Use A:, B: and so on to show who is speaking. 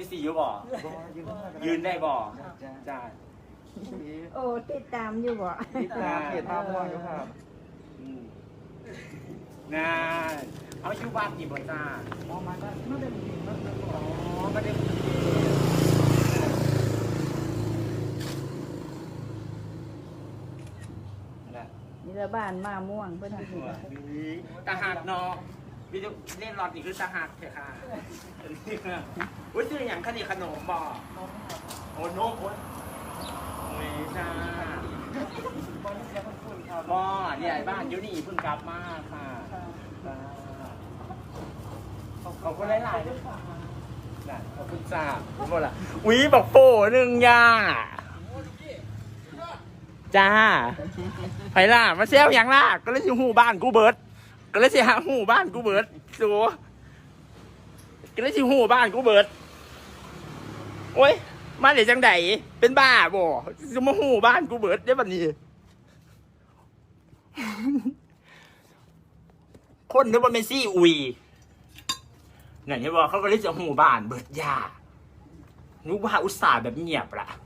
A: ที่สี่อยู่บ่ยืนได้บ่จ้า
B: โอ้ติดตามอยู่บ่
C: ติดตามเพจท่าม่วงอยู่ครับ
A: น่าเอาอยู่บ้านกี่บ่จ้า
C: ออกมาได้ไม่ได้มีมันจะบอก
A: อ๋อไม่ได้นั่นแหละ
B: นี่ละบ้านมาม่วงเพิ่นสิ
A: ตาหักเนาะวิดีโอเล่นรอดนี่คือตาหักเถอะค่ะอุ้ยซื้ออย่างขนมขนมบ่โอ้โน้โอ้ยจ้าบ่เนี่ยบ้านอยู่นี่เพิ่งกลับมาค่ะขอบคุณหลายๆด้วยค่ะขอบคุณจ้าหมดละอุ้ยบอกโป้หนึ่งย่าจ้าไผล่ะมาเซลอย่างล่ะก็เลยอยู่หูบ้านกูเบิร์ดก็เลยสิหาหูบ้านกูเบิร์ดสูก็เลยสิหูบ้านกูเบิร์ดโอ้ยมาเดี๋ยวจังไดเป็นบ้าบ่จะมาหูบ้านกูเบิร์ดได้บัดนี้ คนนึกว่าเมซี่อุยเนี่ยที่บอกเขาก็เลยจะหูบ้านเบิร์ดยานึกว่าอุตส่าห์แบบเงียบละ